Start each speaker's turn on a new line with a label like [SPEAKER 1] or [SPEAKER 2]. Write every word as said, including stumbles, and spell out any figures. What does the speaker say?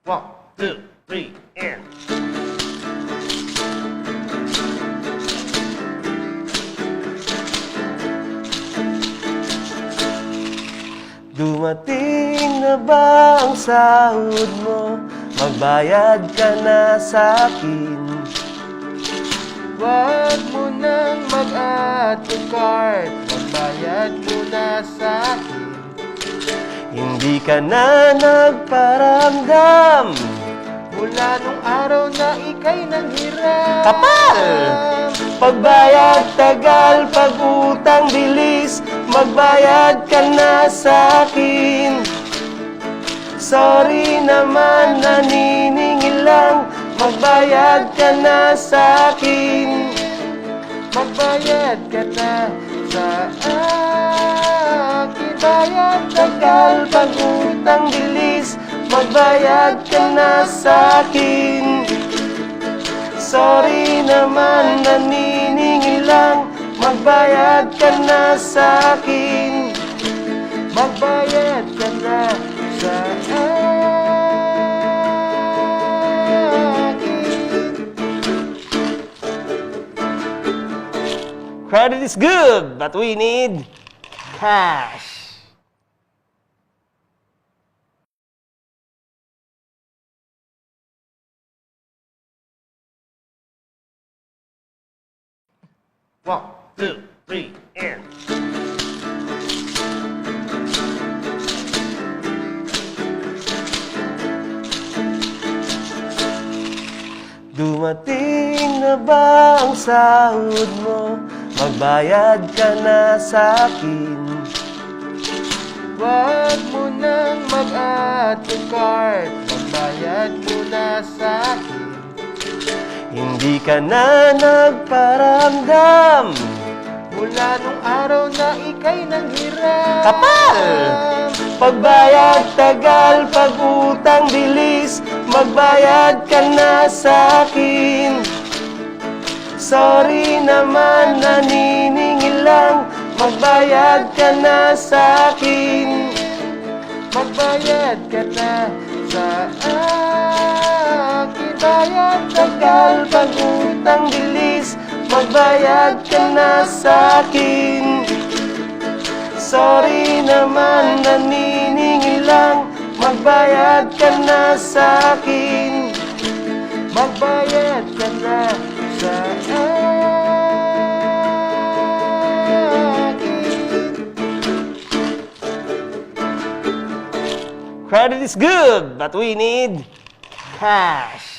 [SPEAKER 1] One, two, three, and... Dumating na ba ang sahod mo? Magbayad ka na sa'kin. Huwag mo nang mag-add to cart, magbayad mo na sa'kin. Hindi ka na nagparamdam mula nung araw na ika'y nanghirap. Kapal! Pagbayad tagal, pag-utang bilis, magbayad ka na sa'kin. Sorry naman, naniningil lang, magbayad ka na sa'kin. Magbayad ka na sa akin. Bayad tagal, pag-utang bilis, magbayad ka na sa'kin. Sorry naman, naniningil lang, magbayad ka na sa'kin. Magbayad ka na sa akin. Credit is good, but we need cash. One, two, three, and... Dumating na ba ang sahod mo? Magbayad ka na sa'kin. Huwag mo nang mag-add to cart, magbayad mo na sa'kin. Hindi ka na nagparamdam mula nung araw na ika'y nanghirap. Kapal! Pagbayad tagal, pag-utang bilis, magbayad ka na sa'kin. Sorry naman, naniningil lang, magbayad ka na sa'kin. Magbayad ka na sa akin. Bayad tagal, pag-utang bilis, magbayad ka na sa'kin. Sorry naman, naniningil lang, magbayad ka na sa'kin. Magbayad ka na sa akin. Credit is good, but we need cash.